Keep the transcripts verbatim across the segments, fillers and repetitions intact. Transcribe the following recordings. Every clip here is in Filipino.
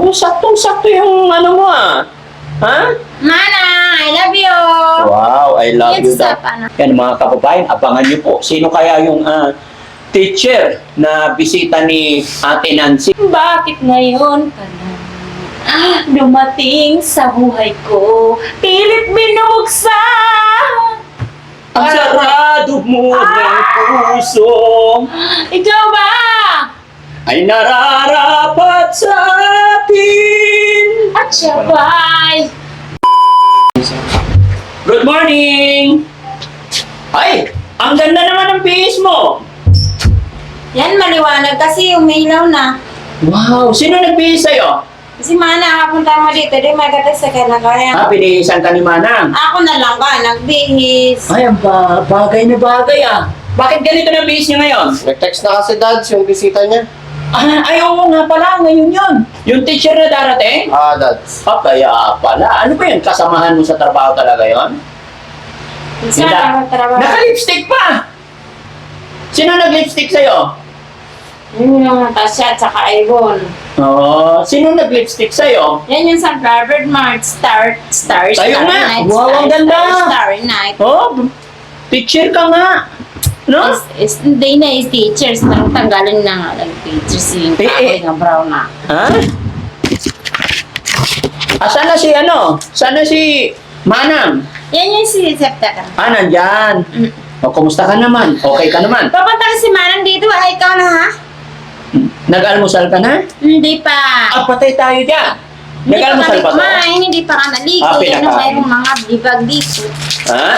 Oh, saktong-sakto yung ano mo ah. Ha? Mana, I love you. Wow, I love Yan you sa daw. pana. Yan mga kababayan, abangan niyo po. Sino kaya yung ah, teacher na bisita ni Ate Nancy? Bakit ngayon ka na ah, dumating sa buhay ko? Pilit binubuksan. Ang sarado mo ng puso Ikaw ba? ay nararapat sa akin. At siya ba'y Good morning! Ay, ang ganda naman ng bihis mo. yan, maliwanag kasi umilaw na. Wow, sino nagbihis sa'yo? Kasi mana, kapunta mo dito, di magatas sa kanya kaya. Ah, binihisan ka ni Manang. Ako na lang ka, nagbihis. Ay, ang ba bagay na bagay ah. Bakit ganito na bihis niya ngayon? Nag-text na kasi Dad yung bisita niya. Ah, ay, oo nga pala, ngayon yun. Yung teacher na darating? Ah, Dad. Ah, kaya pala. Ano ba yun? Kasamahan mo sa trabaho talaga yon? Minsan ako trabaho. Naka-lipstick pa! Sino nag-lipstick sa'yo? Yun yung Tasha at saka Ivon. Oo. Sino nag-lipstick sa'yo? Yan yung sa Harvard Mart Star, Star, Tayo Star nga. Night. Wow, Star, ang ganda. Star, Starry Night. Oh, teacher ka nga. No? Is, is, hindi na is teachers. Nang tanggalin na nga lang teachers. Yung Eh, kakoy eh. nga brown na. Ha? Ah, sana si ano? Sana si Manang. Yan yung si Septa ka. Ah, nandyan. Mm. O, kumusta ka naman? Okay ka naman? Papunta ka si Manang dito. Ay, ikaw na ha? Nag-almusal ka na? Hindi pa. Ah, patay tayo dyan. Hindi Nag-almusal pa pa to? kumain. Hindi pa ka naligo. Ah, Yan ang pinakain. mayroong mga bibag dito. Ha?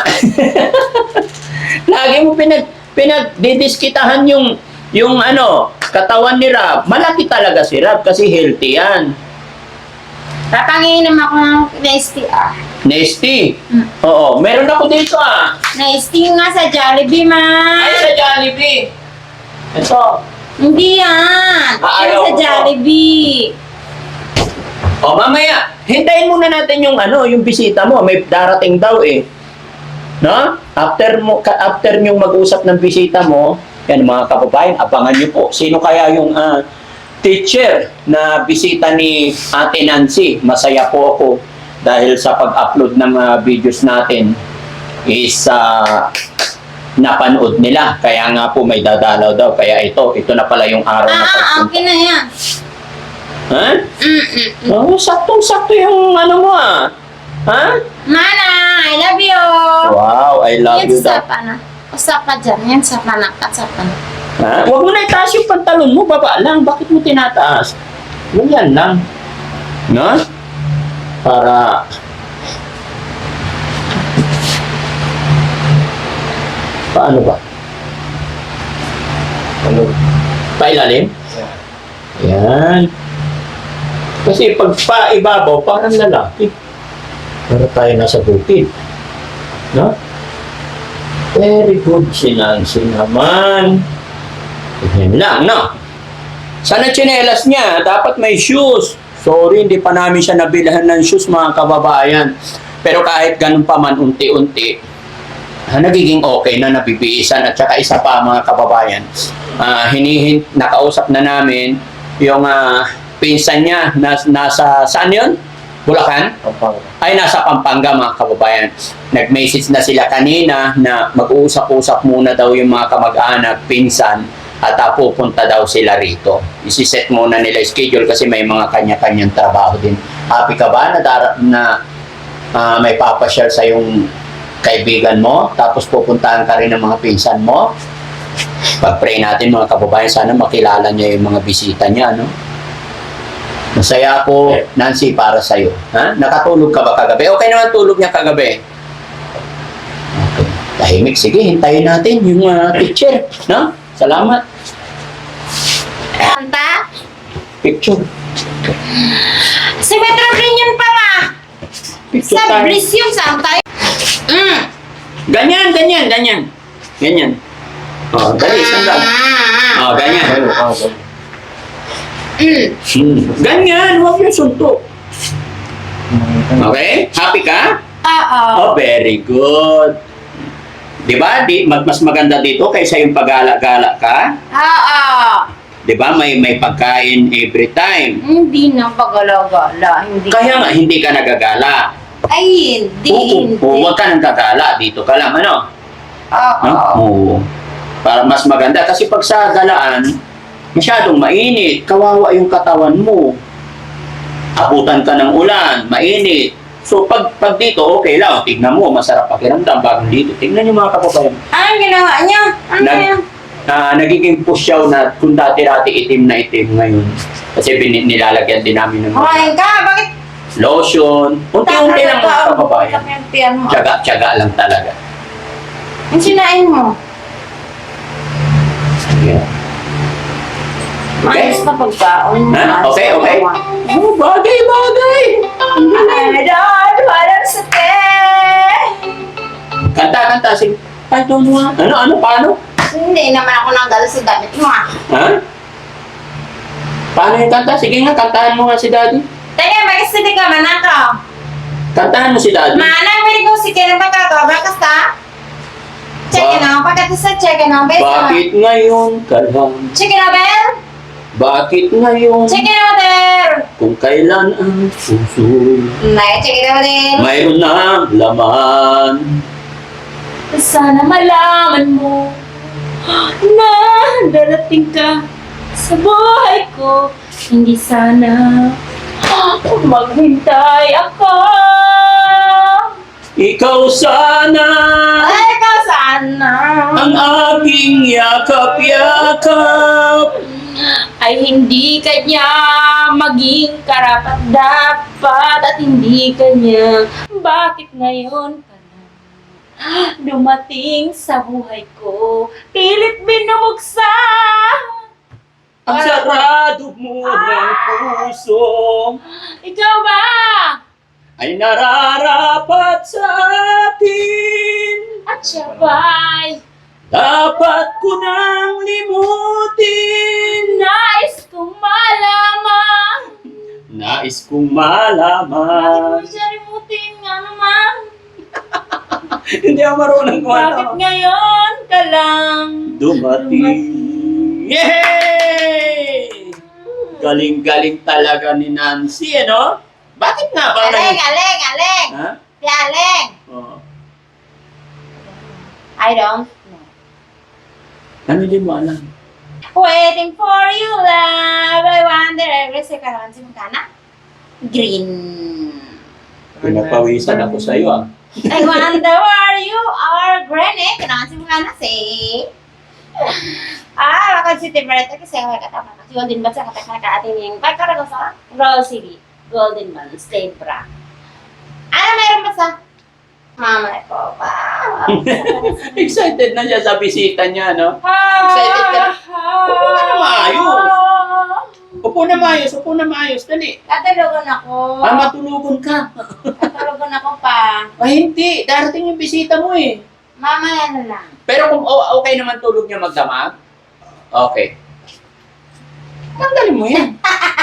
Lagi mo pinag pinagdidiskitahan yung yung ano, katawan ni Rab. Malaki talaga si Rab kasi healthy yan. Papanginom ako ng nasty ah. Nasty. Mm. Oo, meron ako dito ah. Nasty nga sa Jollibee, man. Ay, sa Jollibee. Ito. Hindi yan. Ah, Yan ayaw sa ko to. Jollibee. O mamaya, hintayin muna natin yung ano, yung bisita mo. May darating daw eh. No? After mo ka- after yung mag-usap ng bisita mo, yan mga kababayan, abangan niyo po. Sino kaya yung ah, teacher na bisita ni Ate Nancy? Masaya po ako dahil sa pag-upload ng ah, videos natin is ah, napanood nila. Kaya nga po may dadalaw daw. Kaya ito, ito na pala yung araw na Ah, pagpunta. okay na yan. Ha? Mm-mm. Oh, saktong-sakto yung ano mo ah. Ha? Mana, I love you. Wow, I love Yan you sa daw. pana. Usap ka dyan. Yan sa pana. Sa pana. Ha? Huwag mo na itaas yung pantalon mo, baba lang. Bakit mo tinataas? Ganyan lang. No? Para... Paano ba? Ano? Pailalim? Yan. Kasi pag paibabaw, parang lalaki. Para tayo nasa bukid. No? Very good si Nancy naman. Yan lang, no? Sana tsinelas niya, dapat may shoes. Sorry, hindi pa namin siya nabilhan ng shoes, mga kababayan. Pero kahit ganun pa man, unti-unti, ah, nagiging okay na nabibiisan. At saka isa pa, mga kababayan, ah, hinihin, nakausap na namin yung ah, pinsan niya, nas, nasa, saan yun? Bulacan? Pampanga. Ay nasa Pampanga, mga kababayan. Nag-message na sila kanina na mag-uusap-usap muna daw yung mga kamag-anak, pinsan, at uh, pupunta daw sila rito. Isiset muna nila schedule kasi may mga kanya-kanyang trabaho din. Happy ka ba na, dara- na uh, may papasyal sa yung kaibigan mo, tapos pupuntahan ka rin ng mga pinsan mo? Pag-pray natin, mga kababayan, sana makilala niya yung mga bisita niya, no? Masaya ako, Nancy, para sa'yo. Ha? Nakatulog ka ba kagabi? Okay naman tulog niya kagabi. Okay. Tahimik. Sige, hintayin natin yung uh, teacher. No? Salamat. Kanta? Picture. Si Metro Green yun pa ma. Picture Sa tayo. Bliss yun, saan tayo? Mm. Ganyan, ganyan, ganyan. Ganyan. Oh, dali, sandal. Oh, ganyan. Ano? Ah, ano? Mm. Hmm. Ganyan, huwag yung suntok. Okay? Happy ka? Oo. Oh, very good. Di ba? Di, mag- mas maganda dito kaysa yung pagala-gala ka. Oo. Di ba? May, may pagkain every time. Hindi na pagala-gala. Hindi. Kaya nga, hindi ka nagagala. Ay, hindi, Oo, hindi. oo, huwag ka nang gagala. Dito ka lang, ano? Oo. No? Oo. Para mas maganda. Kasi pag sa galaan, masyadong mainit. Kawawa yung katawan mo. Abutan ka ng ulan, mainit. So pag, pag dito, okay lang. Tignan mo, masarap pakiramdam bagong dito. Tignan niyo mga kababayan. Ano ginawa niya? Ano Nag- yan? Ah, nagiging pusyaw na kung dati-dati itim na itim ngayon. Kasi bin- nilalagyan din namin ng Kumain ka? Bakit? lotion. Unti-unti lang mga kababayan. Bakit yan mo? Tiyaga-tiyaga lang talaga. Ang sinain mo? Yeah. Maayos na pagkaon. Ha? Okay, okay. Oh, bagay, bagay. I don't wanna stay. Kanta, kanta. Sige. I don't want. Ano, ano, paano? Hindi naman ako nanggal sa damit mo ah. Ha? Paano yung kanta? Sige nga, kantahan mo nga si Daddy. Teka, bakit hindi ka man ako? Kantahan mo si Daddy. Manang may ko si Kira magkakabra kasta? Check it out. Pagkat sa check it out. Bakit ngayon ka lang? Check it out, Bel. Bakit ngayon? Check it out, there. Kung kailan ang puso Nay, check it out, there. mayroon ng laman. Sana malaman mo na darating ka sa buhay ko. Hindi sana maghintay ako. Ikaw sana Ay, ka sana ang aking yakap-yakap. ay hindi kanya maging karapat-dapat at hindi kanya bakit ngayon ka lang dumating sa buhay ko, pilit binubuksa. Ang sarado mo ng puso Ikaw ba? ay nararapat sa akin. At siya ba'y Dapat ko nang limutin. nais kong malaman? Nais kong Bakit malaman. mo siya rimutin nga naman? Hindi ako marunong kung Bakit ano. ngayon ka lang Dumating. Yay! Galing-galing talaga ni Nancy, ano? Bakit nga ba? Aleng, aleng, aleng! Ha? Si Aleng! Oh. I don't know. Ano din mo alam? Waiting for you, love. I wonder every second naman si Magkana. Green. Pinapawisan ako sa iyo, ah. I wonder where you are, Granny. Kailangan si Magkana, say. Ah, bakit si Timberetta kasi ako katama. Kasi Golden Band sa katakana ka ating yung pagkarago sa Rosary. Golden Band, State Bra. Ano meron ba sa mama ko pa? Excited na siya sa bisita niya, no? Excited ka na? Upo ka na maayos. Upo na maayos, upo na maayos. Dali. Katulugan ako. Ah, matulugon ka. Katulugan ako pa. Ay, hindi. Darating yung bisita mo, eh. Mamaya na lang. Pero kung o- okay naman tulog niya magdamag, okay. Tanggalin mo yan.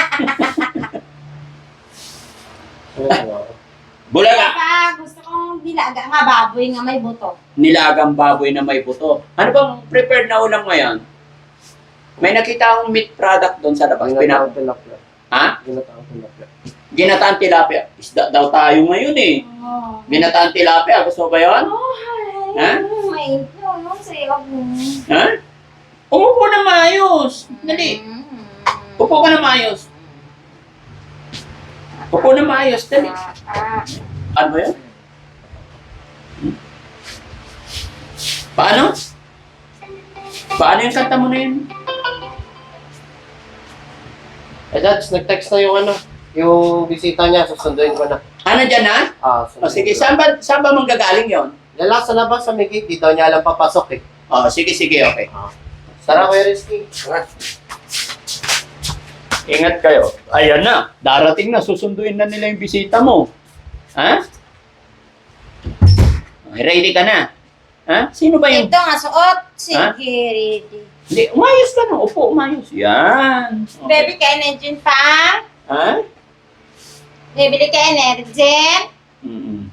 Bulaga. Pa, gusto kong dilaga nga baboy nga may buto. Nilagang baboy na may buto. Ano bang prepared na ulam ngayon? May nakita akong meat product doon sa labas. Pina- Ginataang tilapia. ha? Ginataang tilapia. Ginataan tilapia. Isda daw tayo ngayon eh. Oh. Ginataan tilapia. Gusto mo ba yun? Oh, hi. Ha? May ito, no? Sa'yo mo. Ha? Umupo na maayos. Dali. Upo ka na maayos. Upo na maayos. Dali. Ah, Ano ba yun? Hmm? Paano? Paano yung kanta mo na yun? Eh, Dad, nag-text na yung ano, yung bisita niya, susunduin ko na. Ano dyan na? Ah, O sige, saan ba, saan ba manggagaling yon? Lala sa labas sa may gate, di daw niya alam papasok eh. O, sige, sige, okay. Tara, Kuya Rizky. Tara. Ingat kayo. Ayan na, darating na, susunduin na nila yung bisita mo. Ha? Okay, ready ka na? Ha? Sino ba yung... ito nga suot. Sige, Ha? ready. Hindi, umayos ka na. Upo, umayos. Yan. Okay. Baby ka energy pa? Ha? Bibili ka energy? Mm-mm.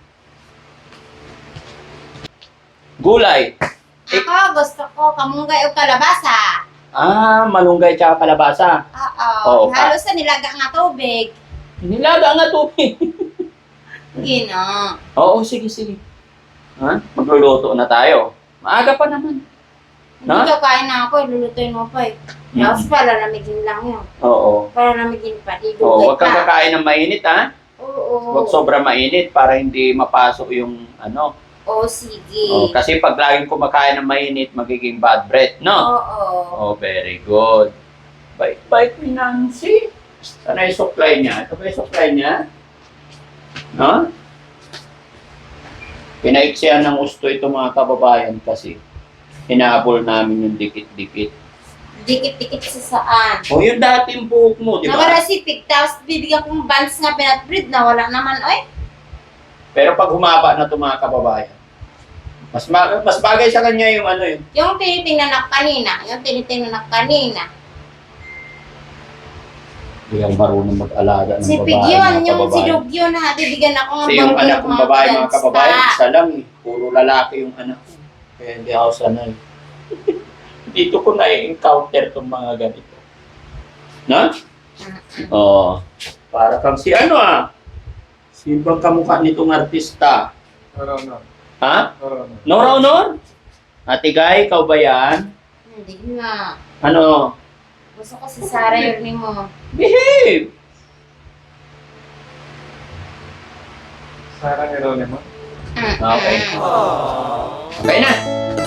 Gulay. Ako, gusto ko kamunggay o kalabasa. Ah, malunggay tsaka kalabasa. Oo, Oo. Halos sa nilaga nga tubig. Nilaga nga tubig. Gino. Oo, sige, sige. Ha? Magluluto na tayo. Maaga pa naman. Hindi Ha? ka kain na ako, lulutuin mo pa eh. Tapos para lamigin lang yun. Oo. Para lamigin pa, di Oo, dugay huwag kang pa. kakain ng mainit, ha? Oo. Huwag sobra mainit para hindi mapasok yung ano. Oo, sige. Oh, kasi pag laging kumakain ng mainit, magiging bad breath, no? Oo. Oh, very good. Bait-bait ni Nancy. Sana yung supply niya. Ito ba yung supply niya? No? Pinaiksihan ng gusto ito mga kababayan kasi hinahabol namin yung dikit-dikit. Dikit-dikit sa saan. O yung dating buhok mo, di ba? Nawala si Pig, tapos bibigyan kong bands nga pinat-breed na wala naman, oy. Pero pag humaba na ito mga kababayan, mas ma- mas bagay sa kanya yung ano yun. Yung tinitingnan na kanina, yung tinitingnan na kanina. Hindi ang marunong mag-alaga ng Si babae, Pig mga yun, yung si kababayan. Dog yun na bibigyan ako ng Kasi yung bangkit anak kong babae, mga gangsta. kababayan, isa lang eh. Puro lalaki yung anak ko. Kaya hindi ako sanay. Dito ko na-encounter itong mga ganito. Na? Oo. Para kang si ano ah. Si bang kamukha nitong artista? Noro, no. Ha? Noro, no. Nora Honor? Ate Guy, ikaw ba yan? Hindi nga. Ano? Gusto ko si Sarah yun mo. Behave! Sarang Geronimo. Okay. Okay na.